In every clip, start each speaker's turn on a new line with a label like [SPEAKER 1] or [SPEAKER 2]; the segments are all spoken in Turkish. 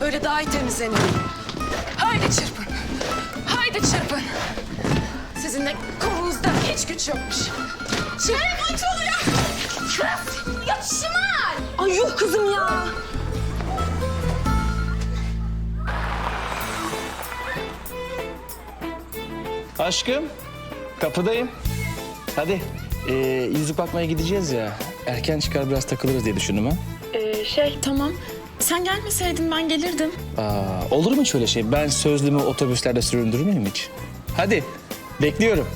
[SPEAKER 1] Böyle daha iyi temizlenir. Haydi çırpın. Haydi çırpın. Sizinle kolunuzda hiç güç yokmuş. Çırpın oluyor. Ya Şimal. Ay yok kızım ya.
[SPEAKER 2] Aşkım, kapıdayım. Hadi, yüzük bakmaya gideceğiz ya. Erken çıkar biraz takılırız diye düşündüm ha.
[SPEAKER 1] Tamam. Sen gelmeseydin ben gelirdim.
[SPEAKER 2] Olur mu hiç öyle şey? Ben sözlümü otobüslerde süründürür müyüm hiç? Hadi, bekliyorum.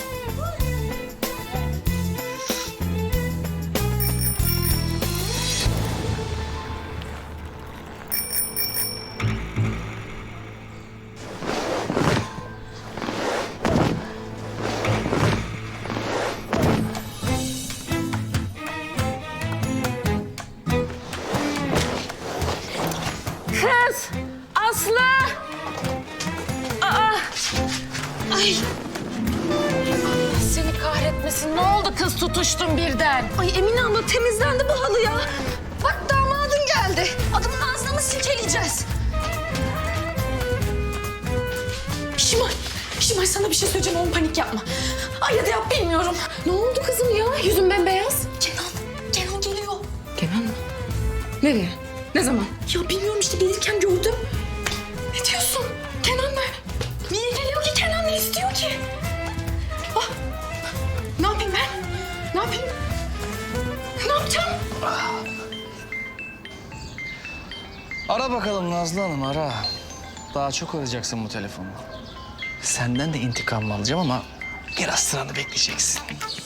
[SPEAKER 1] Kız! Aslı! Aa! Ay! Seni kahretmesin. Ne oldu kız tutuştun birden? Ay Emine abla temizlendi bu halı ya. Bak damadın geldi. Adamın ağzına mı silkeleyeceğiz? Şimal sana bir şey söyleyeceğim oğlum panik yapma. Ay hadi yap bilmiyorum. Ne oldu kızım ya? Yüzün bembeyaz. Kenan geliyor. Kenan mı? Nereye? Ne zaman? Ya bilmiyorum işte gelirken gördüm. Ne diyorsun? Kenan ne? Niye geliyor ki? Kenan ne istiyor ki? Ah, ne yapayım ben? Ne yapayım? Ne yapacağım?
[SPEAKER 2] Ara bakalım Nazlı Hanım, ara. Daha çok arayacaksın bu telefonu. Senden de intikamımı alacağım ama biraz sıranı bekleyeceksin.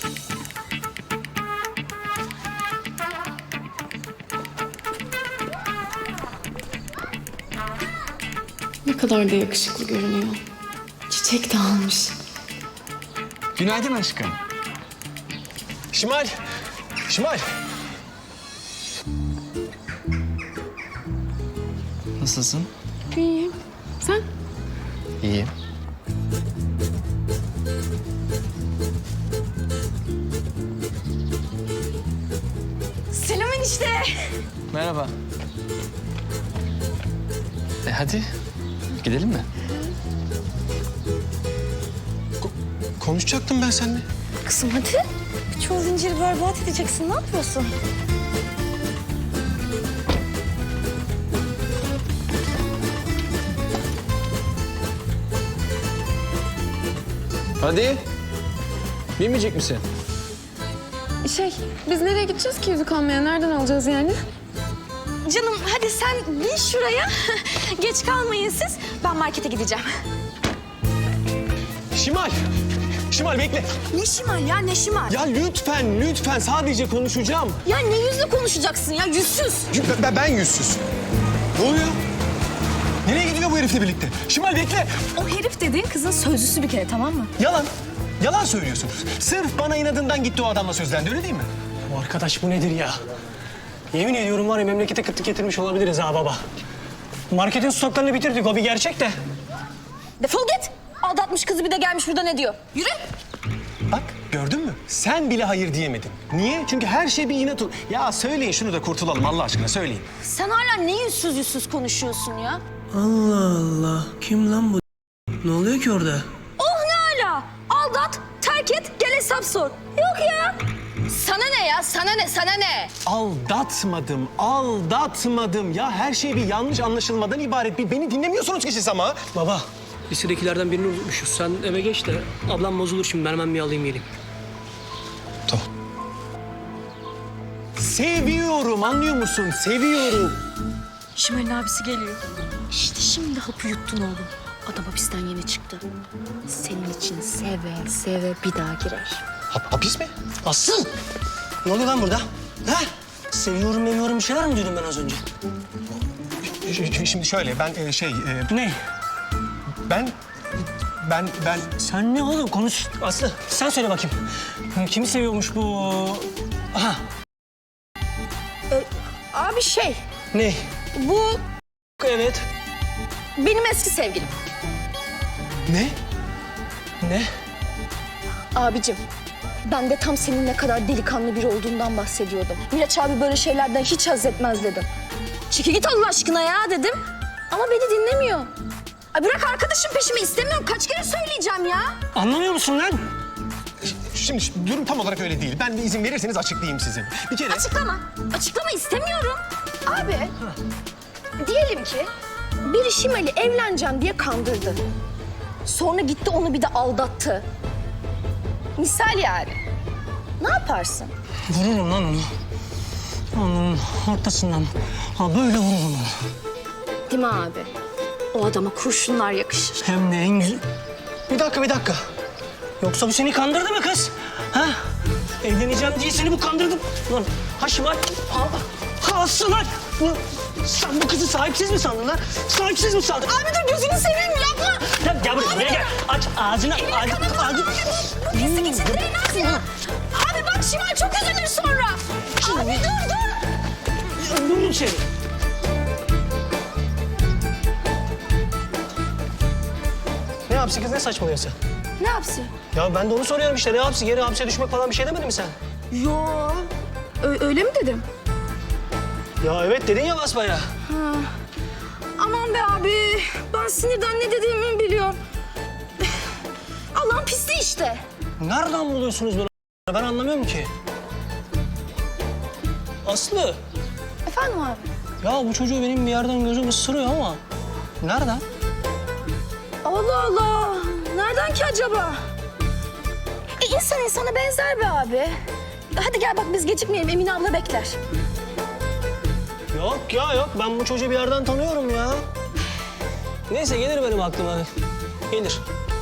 [SPEAKER 1] Ne kadar da yakışıklı görünüyor. Çiçek de almış.
[SPEAKER 2] Günaydın aşkım.
[SPEAKER 3] Şimal! Şimal!
[SPEAKER 2] Nasılsın?
[SPEAKER 1] İyiyim. Sen?
[SPEAKER 2] İyiyim.
[SPEAKER 1] Selam enişte.
[SPEAKER 2] Merhaba. Hadi gidelim mi?
[SPEAKER 3] Konuşacaktım ben seninle.
[SPEAKER 1] Kızım hadi. Çoğu zinciri berbat edeceksin. Ne yapıyorsun?
[SPEAKER 2] Hadi. Binmeyecek misin?
[SPEAKER 1] Biz nereye gideceğiz ki yüzük almaya? Nereden alacağız yani? Canım hadi sen bin şuraya. Geç kalmayın siz. Ben markete gideceğim.
[SPEAKER 3] Şimal! Şimal bekle.
[SPEAKER 1] Ne şimal ya ne şimal?
[SPEAKER 3] Ya lütfen sadece konuşacağım.
[SPEAKER 1] Ya ne yüzle konuşacaksın ya yüzsüz.
[SPEAKER 3] Ben yüzsüz. Ne oluyor? Nereye gidiyor bu herifle birlikte? Şimal bekle.
[SPEAKER 1] O herif dediğin kızın sözlüsü bir kere tamam mı?
[SPEAKER 3] Yalan. Yalan söylüyorsunuz. Sırf bana inadından gitti o adamla sözlendi öyle değil mi?
[SPEAKER 4] Bu arkadaş bu nedir ya? Yemin ediyorum var ya memlekete kıtlık getirmiş olabiliriz ha baba. Marketin stoklarını bitirdik o bir gerçek de.
[SPEAKER 1] Defol git. Aldatmış kızı bir de gelmiş burada ne diyor? Yürü.
[SPEAKER 3] Bak gördün mü? Sen bile hayır diyemedin. Niye? Çünkü her şey bir inat. Ya söyleyin şunu da kurtulalım Allah aşkına söyleyin.
[SPEAKER 1] Sen hala ne yüzsüz konuşuyorsun ya?
[SPEAKER 5] Allah Allah. Kim lan bu? Ne oluyor ki orada?
[SPEAKER 1] Oh ne hala? Aldat, terk et, gel hesap sor. Yok ya. Sana ne ya? Sana ne?
[SPEAKER 3] Aldatmadım. Ya her şey bir yanlış anlaşılmadan ibaret. Bir beni dinlemiyorsunuz ki siz ama.
[SPEAKER 4] Baba listedekilerden birini unutmuşuz. Sen eve geç de ablam bozulur şimdi ben hemen bir alayım geleyim.
[SPEAKER 3] Tamam. Seviyorum anlıyor musun? Seviyorum.
[SPEAKER 1] Şimal'in abisi geliyor. İşte şimdi hapı yuttun oğlum. Adam hapisten yeni çıktı. Senin için seve bir daha girer.
[SPEAKER 3] Hapis mi?
[SPEAKER 4] Asıl! Ne oluyor lan burada? Ha? Seviyorum bir şeyler mi duydum ben az önce?
[SPEAKER 3] Şimdi şöyle ben
[SPEAKER 4] Ne?
[SPEAKER 3] ben
[SPEAKER 4] Sen ne oğlum konuş Aslı. Sen söyle bakayım. Kimi seviyormuş bu? Aha.
[SPEAKER 1] Abi
[SPEAKER 4] Ne?
[SPEAKER 1] bu
[SPEAKER 4] Evet.
[SPEAKER 1] benim eski sevgilim.
[SPEAKER 3] ne?
[SPEAKER 4] Ne?
[SPEAKER 1] Abicim, ben de tam senin ne kadar delikanlı biri olduğundan bahsediyordum. Miraç abi böyle şeylerden hiç haz etmez dedim. Çekil git Allah aşkına ya dedim. Ama beni dinlemiyor. Ay bırak arkadaşım peşimi, istemiyorum. Kaç kere söyleyeceğim ya?
[SPEAKER 4] Anlamıyor musun lan?
[SPEAKER 3] Şimdi durum tam olarak öyle değil. Ben de izin verirseniz açıklayayım sizin. Bir kere...
[SPEAKER 1] Açıklama. Açıklama istemiyorum. Abi, diyelim ki biri Şimal'i evleneceğim diye kandırdı. Sonra gitti onu bir de aldattı. Misal yani. Ne yaparsın?
[SPEAKER 4] Vururum lan onu. Onun ortasından. Ha böyle vururum onu.
[SPEAKER 1] Değil mi abi? O adama kurşunlar yakışır.
[SPEAKER 4] Hem de en güzel... Bir dakika. Yoksa bu seni kandırdı mı kız? Ha? Evleneceğim diye seni bu kandırdı. Lan Haşimat. Aslı lan. Sen bu kızı sahipsiz mi sandın lan? Sahipsiz mi sandın?
[SPEAKER 1] Abi dur, gözünü seveyim, yapma.
[SPEAKER 4] Ya gel buraya gel. Aç ağzını. Ağzını.
[SPEAKER 1] Neyse geçirdiğin az ya. Abi bak Şimal çok üzülür sonra. Abi dur.
[SPEAKER 4] Öldürürüm seni. Ne hapsi kız, ne saçmalıyorsun sen?
[SPEAKER 1] Ne yapsın?
[SPEAKER 4] Ya ben de onu soruyorum işte. Ne hapsi? Geri hapse düşmek falan bir şey demedin mi sen?
[SPEAKER 1] Yo. Öyle mi dedim?
[SPEAKER 4] Ya evet dedin ya basbaya.
[SPEAKER 1] Aman be abi. Ben sinirden ne dediğimi biliyorum. Allah'ın pisliği işte.
[SPEAKER 4] Nereden buluyorsunuz böyle? Ben anlamıyorum ki. Aslı.
[SPEAKER 1] Efendim abi?
[SPEAKER 4] Ya bu çocuğu benim bir yerden gözüm ısırıyor ama nereden?
[SPEAKER 1] Allah Allah. Nereden ki acaba? İnsan insana benzer be abi. Hadi gel bak biz gecikmeyelim. Emine abla bekler.
[SPEAKER 4] Yok ya yok. Ben bu çocuğu bir yerden tanıyorum ya. Neyse gelir benim aklıma. Gelir.